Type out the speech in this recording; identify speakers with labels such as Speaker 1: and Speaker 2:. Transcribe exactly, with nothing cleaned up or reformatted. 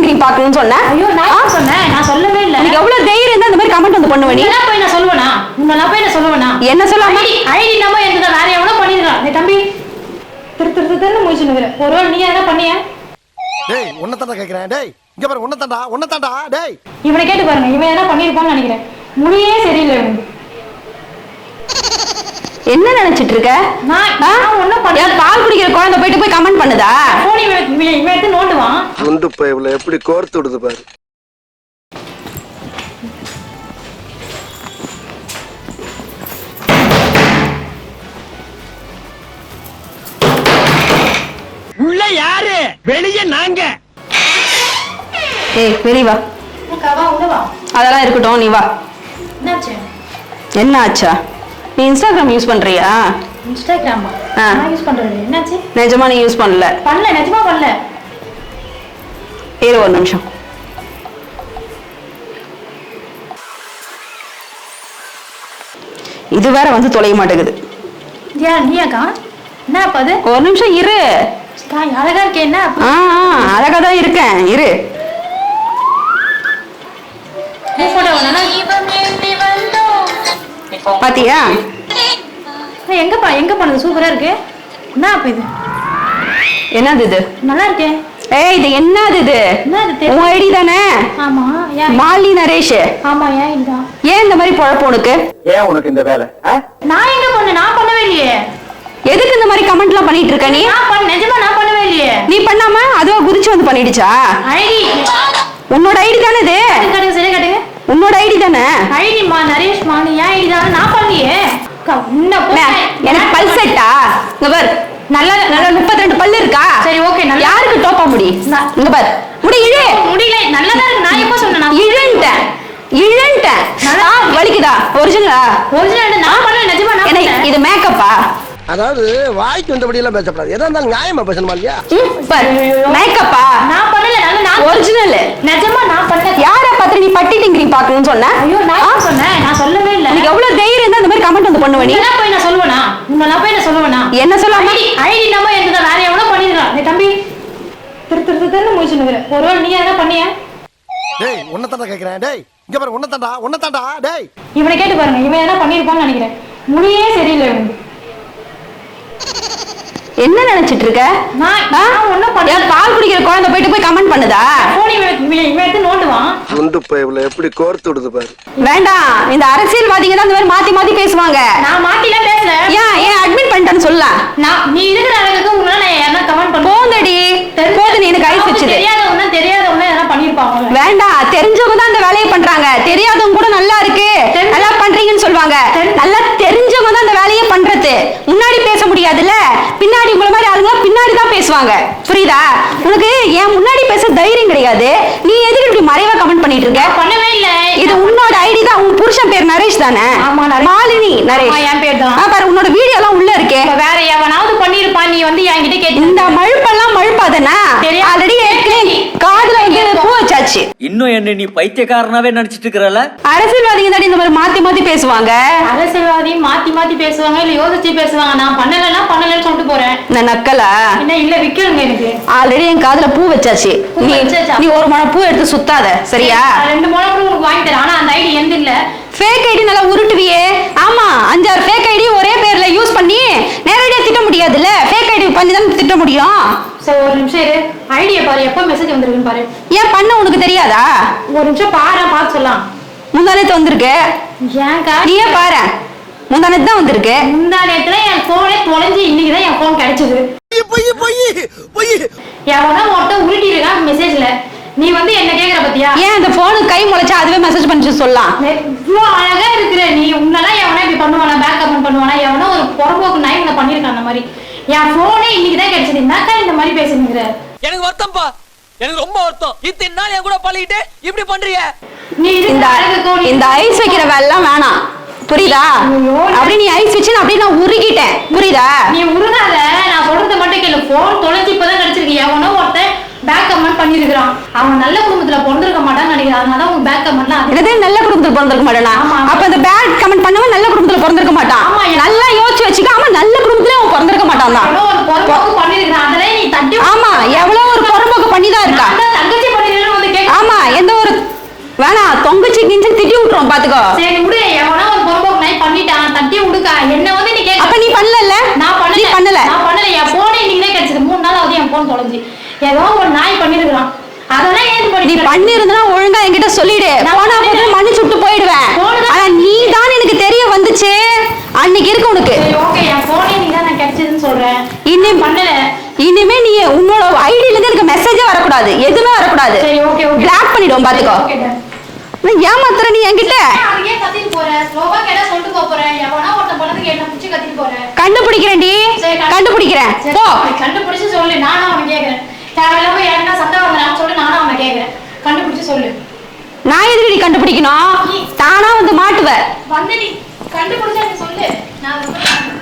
Speaker 1: டிங்கிரி பார்க்கணும்னு சொன்னேன்.
Speaker 2: ஐயோ நான் சொன்னேன், நான் சொல்லவே இல்லை.
Speaker 1: எனக்கு எவ்வளவு தைரியம் இருந்தா இந்த மாதிரி கமெண்ட் வந்து பண்ணுவேன். நீ
Speaker 2: போய் நான் சொல்லுவேனா? உன்னெல்லாம் போய் நான் சொல்லுவேனா?
Speaker 1: என்ன சொல்லாம
Speaker 2: ஐடி நம்ம எந்த வேற எவ்வளவு பண்ணிருக்கான். டேய் தம்பி, திரு திரு திருன்னு மூச்சு நிக்கிற. ஒருவேளை நீ என்ன பண்ணியா?
Speaker 3: டேய் உன்னை தாண்டா கேக்குறேன். டேய் இங்க பாரு, உன்னை தாண்டா உன்னை தாண்டா. டேய்
Speaker 2: இவனை கேட்டு பாருங்க, இவன் என்ன பண்ணிருப்பான்னு நினைக்கிறேன். முடியே சரியில்லை இவனுக்கு.
Speaker 1: என்ன நினைச்சிட்டு இருக்க?
Speaker 2: நான் ஒண்ணும் பண்ணல.
Speaker 1: பால் குடிக்கிற குழந்தை போயிட்டு போய் கமெண்ட் பண்ணுதா?
Speaker 2: போன் இவன் எடுத்து நோண்டுவான்.
Speaker 3: குண்டு பைப்ல எப்படி கோர்த்து விடுது பாரு.
Speaker 4: உள்ள யாரு? வெளியே நாங்க.
Speaker 1: ஏய் வெளிய வா.
Speaker 2: கவா உள்ள வா.
Speaker 1: அதெல்லாம் இருக்கட்டும், நீ வா.
Speaker 2: என்னாச்சு?
Speaker 1: என்ன ஆச்சா? நீ இன்ஸ்டாகிராம் யூஸ் பண்றியா?
Speaker 2: இன்ஸ்டாகிராமா? நான் யூஸ் பண்றேன். என்னாச்சு?
Speaker 1: நிஜமா நீ யூஸ் பண்ணல?
Speaker 2: பண்ணல, நிஜமா பண்ணல.
Speaker 1: இரு ஒரு நிமிஷம். இது வேற வந்து தொலைய மாட்டேங்குது.
Speaker 2: யா நீயாக்கா? என்ன பாது?
Speaker 1: ஒரு நிமிஷம் இரு.
Speaker 2: காய் அழகா இருக்கே. என்ன?
Speaker 1: ஆ அழகா தான் இருக்கேன், இரு. பாத்தியா?
Speaker 2: எங்கப்பா எங்க போனது? சூப்பரா இருக்கு. என்ன அப்ப இது?
Speaker 1: என்னது இது?
Speaker 2: நல்லா இருக்கே.
Speaker 1: ஏய் இது என்னது இது?
Speaker 2: என்னது?
Speaker 1: உன் ஐடி தானே?
Speaker 2: ஆமா.
Speaker 1: மாலி நரேஷ்.
Speaker 2: ஆமா. ஏன் இல்ல?
Speaker 1: ஏன் இந்த மாதிரி பொழப்பு உனக்கு?
Speaker 3: ஏன் உனக்கு இந்த வேலை?
Speaker 2: நான் எங்க பண்ணேன்? நான் பண்ணவே இல்லையே.
Speaker 1: எதுக்கு இந்த மாதிரி கமெண்ட்லாம் பண்ணிட்டு இருக்க நீ?
Speaker 2: நான் பண்ண நிஜமா நான் பண்ணவே இல்லையே.
Speaker 1: நீ பண்ணாம அதுவா குதிச்சு வந்து பண்ணிடுச்சா?
Speaker 2: ஐடி
Speaker 1: உன்னோட ஐடி தானே இது?
Speaker 2: கட்டுங்க சரி கட்டுங்க.
Speaker 1: உன்னோட ஐடி தானே?
Speaker 2: ஐடி மா நரேஷ் மா. நீ ஏன் ஐடி தானே? நான் பண்ணலையே.
Speaker 1: எனக்கு பல் செட்டா? இங்க பார், நல்ல நல்ல முப்பத்தி ரெண்டு பல்லு இருக்கா?
Speaker 2: சரி ஓகே. நல்லா
Speaker 1: யாருக்கு டோப்பா முடி? இங்க பார், முடி இழு.
Speaker 2: முடியல, நல்லதா இருக்கு. நான் எப்ப சொன்னேன்?
Speaker 1: இழுன்ட்டேன் இழுன்ட்டேன். நல்லா வலிக்குதா? ஒரிஜினலா?
Speaker 2: ஒரிஜினல் நான் பண்ணல, நிஜமா நான் பண்ணல.
Speaker 1: இது மேக்கப்பா?
Speaker 3: அதாவது வாய்க்கு வந்தபடி எல்லாம் பேசப்படாது. எதா இருந்தாலும் நியாயமா பேசணுமா இல்லையா?
Speaker 1: பார், மேக்கப்பா?
Speaker 2: நான் பண்ணல. நான்
Speaker 1: ஒரிஜினல்
Speaker 2: நிஜமா நான் பண்ணல.
Speaker 1: யார பாத்து நீ பட்டி டிங்கிரி பார்க்கணும்னு சொன்ன?
Speaker 2: ஐயோ நான் சொன்னேன், நான் சொல்லவே இல்ல.
Speaker 1: எனக்கு எவ்வளவு தைரியம் இருந்தா இந்த மாதிரி கமெண்ட் வந்து பண்ணுவே? நீ
Speaker 2: என்ன போய் நான் சொல்லுவேனா? உன்னெல்லாம் போய் நான் சொல்லுவேனா?
Speaker 1: என்ன சொல்லாம
Speaker 2: ஐடி நம்ம எந்த வேற எவ்வளவு பண்ணிருக்கான். டேய் தம்பி, திரு திரு திருன்னு மூச்சு நிக்கிற. ஒருவேளை நீ என்ன பண்ணியா?
Speaker 3: டேய் உன்னை தாண்டா கேக்குறேன். டேய் இங்க பாரு, உன்னை தாண்டா உன்னை தாண்டா. டேய்
Speaker 2: இவனை கேட்டு பாருங்க, இவன் என்ன பண்ணிருப்பான்னு நினைக்கிறேன். முடியே சரியில்லை இவனுக்கு.
Speaker 1: என்ன நினைச்சிட்டு இருக்க?
Speaker 2: நான் ஒண்ணும் பண்ணல.
Speaker 1: பால் குடிக்கிற குழந்தை போயிட்டு போய் கமெண்ட் பண்ணுதா?
Speaker 2: போன் இவன் எடுத்து நோண்டுவான்.
Speaker 3: குண்டு பைப்ல எப்படி கோர்த்து விடுது பாரு.
Speaker 1: வேண்டாம், இந்த அரசியல்வாதிங்க தான் இந்த மாதிரி மாத்தி மாத்தி பேசுவாங்க.
Speaker 2: நான் மாத்திலாம் பேசல.
Speaker 1: ஏன் ஏன் அட்மிட் பண்ணிட்டேன்னு சொல்லலாம்.
Speaker 2: நான் நீ இருக்கிற அளவுக்கு உன்னால நான் என்ன கமெண்ட் பண்ண
Speaker 1: போங்கடி. போது நீ எனக்கு ஐஸ் வச்சது.
Speaker 2: தெரியாதவங்க தெரியாதவங்க என்ன பண்ணிருப்பாங்க.
Speaker 1: வேண்டாம், தெரிஞ்சவங்க தான் இந்த வேலையை பண்றாங்க. தெரியாதவங்க கூட நல்லா இருக்கு நல்லா பண்றீங்கன்னு சொல்லுவாங்க. நல்லா தெரிஞ்சவங்க தான் இந்த வேலையை பண்றது. முன்னாடி பேச முடியாதுல்ல, பின்னாடி உங்கள மாதிரி ஆளுங்க பின்னாடி தான் பேசுவாங்க. புரியுதா? உனக்கு ஏன் முன்னாடி பேச தைரியம் கிடையாது. நீ எதுக்கு இப்படி மறைவா கமெண்ட் பண்ணிட்டு இருக்க?
Speaker 2: பண்ணவே இல்ல.
Speaker 1: இது உன்னோட ஐடி தான். உன் புருஷன் பேர் நரேஷ் தானே?
Speaker 2: ஆமா நரேஷ்.
Speaker 1: மாலினி நரேஷ்.
Speaker 2: என் பேர் தான்.
Speaker 1: பாரு, உன்னோட வீடியோ எல்லாம் உள்ள இருக்கே.
Speaker 2: வேற எவனாவது பண்ணிருப்பான். நீ வந்து என்கிட்ட கேட்டு
Speaker 1: இந்த மழுப்பெல்லாம் மழுப்பாதனா? ஆல்ரெடி காதுல வந்து பூ வச்சாச்சு.
Speaker 4: இன்னும் என்ன நீ பைத்தியக்காரனாவே நினைச்சிட்டு இருக்கறல?
Speaker 1: அரசியல்வாதிங்க தான் இந்த மாதிரி மாத்தி மாத்தி பேசுவாங்க.
Speaker 2: அரசியல்வாதி மாத்தி மாத்தி பேசுவாங்க, இல்ல யோசிச்சு பேசுவாங்க. நான் பண்ணலன்னா பண்ணலன்னு சொல்லிட்டு போறேன்.
Speaker 1: நான் நக்கலா?
Speaker 2: என்ன இல்ல விக்கலுங்க எனக்கு.
Speaker 1: ஆல்ரெடி என் காதுல பூ வச்சாச்சு. நீ நீ ஒரு முழம் பூ எடுத்து சுத்தாத, சரியா?
Speaker 2: ரெண்டு முழம் கூட உங்களுக்கு வாங்கி தரேன். ஆனா அந்த ஐடி எந்த இல்ல.
Speaker 1: ஃபேக் ஐடி நல்லா உருட்டுவியே. ஆமா, அஞ்சாறு ஃபேக் ஐடி ஒரே பேர்ல யூஸ் பண்ணி நேரடியா திட்ட முடியாதுல்ல. ஃபேக் ஐடி பண்ணி தான் திட்ட முடியும்.
Speaker 2: சரி ஒரு நிமிஷம் இரு. ஐடியை பாரு, எப்போ மெசேஜ் வந்திருக்குன்னு பாரு.
Speaker 1: ஏன் பண்ண உனக்கு தெரியாதா?
Speaker 2: ஒரு நிமிஷம் பாரு, பார்த்து சொல்லலாம்.
Speaker 1: முந்தானத்து வந்திருக்கு.
Speaker 2: ஏன்க்கா?
Speaker 1: நீயே பாரு, முந்தானத்து தான் வந்திருக்கு.
Speaker 2: முந்தானத்துல என் போனே தொலைஞ்சு இன்னைக்குதான் என் போன் கிடைச்சது. எவனா ஒருத்தன் உருட்டி இருக்கான் மெசேஜ்ல. நீ வந்து என்ன கேக்குற பத்தியா?
Speaker 1: ஏன் அந்த போனுக்கு கை முளைச்சா அதுவே மெசேஜ் பண்ணிச்சு சொல்லலாம்.
Speaker 2: இவ்வளவு அழகா இருக்கிற நீ உன்னெல்லாம் எவனா இப்படி பண்ணுவானா? பேக் கமெண்ட் பண்ணுவானா? எவனா ஒரு புறம்போக்கு நாய் பண்ணிருக்கான் அந்த மாதிரி. என் போனே இன்னைக்குதான் கிடைச்சது. என்னக்கா இந்த மாதிரி பேசுறீங்க?
Speaker 5: எனக்கு வருத்தம்ப்பா, எனக்கு ரொம்ப வருத்தம். இத்தனை நாள் என் கூட பழகிட்டு இப்படி பண்றீங்க.
Speaker 2: நீ
Speaker 1: இந்த இந்த ஐஸ் வைக்கிற வேலைலாம் வேணாம், புரியுதா? அப்படி நீ ஐஸ் வச்சு அப்படியே நான் உருகிட்டேன், புரியுதா?
Speaker 2: நீ உருகாத, நான் சொல்றது மட்டும் கேளு. போன் தொலைஞ்சு இப்பதான் கிடைச்சிருக்கு. எவனோ ஒருத்தன் பேக் கமெண்ட் பண்ணிருக்கான். அவன் நல்ல குடும்பத்துல பிறந்திருக்க மாட்டான்னு நினைக்கிறேன். அதனால உங்க பேக் கமெண்ட்லாம்
Speaker 1: என்னது நல்ல குடும்பத்துல பிறந்திருக்க மாட்டானா? அப்ப அந்த பேக் கமெண்ட் பண்ணவன் நல்ல குடும்பத்துல பிறந்திருக்க மாட்டான். நல்லா யோசிச்சு வச்சுக்க. ஆமா, நல்ல குடும்பத்துல அவன் பிறந்திருக்க மாட்டான் தான்.
Speaker 2: ஒரு பொறம்போக்கு பண்ணிருக்கான். அதெல்லாம் நீ தட்டி.
Speaker 1: ஆமா, எவ்வளவு ஒரு பொறம்போக்கு பண்ணிதான் இருக்கா.
Speaker 2: தங்கச்சி பண்ணிருக்கான்னு
Speaker 1: வேணாம் தொங்குச்சு கிஞ்சுன்னு திட்டி விட்டுரும் பாத்துக்கோ.
Speaker 2: சரி விடு, எவனா ஒரு பொறுப்போக்கு நாய் பண்ணிட்டான், தட்டி விடுக்கா. என்ன வந்து நீ கேட்க.
Speaker 1: அப்ப நீ பண்ணல?
Speaker 2: நான் பண்ணல.
Speaker 1: நீ பண்ணல.
Speaker 2: நான் பண்ணல. என் போனே இன்னைக்கு தான் கிடைச்சது. மூணு நாள் ஆகுது என் போன் தொலைஞ்சு. ஏதோ ஒரு நாய் பண்ணிருக்கான். அதெல்லாம் ஏன்
Speaker 1: நீ
Speaker 2: பண்ணி
Speaker 1: பண்ணிருந்தா ஒழுங்கா என்கிட்ட சொல்லிடு. போனா போது மன்னிச்சு விட்டு போயிடுவேன். ஆனா நீ தான் எனக்கு தெரிய வந்துச்சு அன்னைக்கு இருக்கு உனக்கு.
Speaker 2: சரி ஓகே, என் போனே நீ தான் நான் கிடைச்சதுன்னு சொல்றேன்.
Speaker 1: இனி
Speaker 2: பண்ணல.
Speaker 1: இனிமே நீ உன்னோட ஐடியில இருந்து எனக்கு மெசேஜே வரக்கூடாது, எதுவுமே வரக்கூடாது.
Speaker 2: சரி ஓகே ஓகே.
Speaker 1: பிளாக் பண்ணிடுவோம் பாத்துக்கோ.
Speaker 2: Okay done.
Speaker 1: நான் ஏமாத்துற நீ என்கிட்ட.
Speaker 2: அதுக்கே கத்திட்டு போற. ஸ்லோவா கேட்டா சொல்லிட்டு போப் போறேன். எவனா ஒருத்தன் பண்ணதுக்கு என்ன புடிச்சு கத்திட்டு போற.
Speaker 1: கண்டுபிடிக்கிறேன்டி,
Speaker 2: சரி, கண்டு-
Speaker 1: கண்டுபிடிக்கிறேன்.
Speaker 2: சரி,
Speaker 1: போ.
Speaker 2: கண்டுபிடிச்சு சொல்லு. நானும் அவனை கேக்குறேன். தேவையில்லாம யாருன்னா சத்தம் வந்தான்னு சொல்லி நானும் அவனை கேக்குறேன். கண்டுபிடிச்சு சொல்லு.
Speaker 1: நான் எதுக்கு கண்டுபிடிக்கணும்? தானா வந்து மாட்டுவ.
Speaker 2: வந்து நீ கண்டுபிடிச்சா நீ சொல்லு. நான் அதை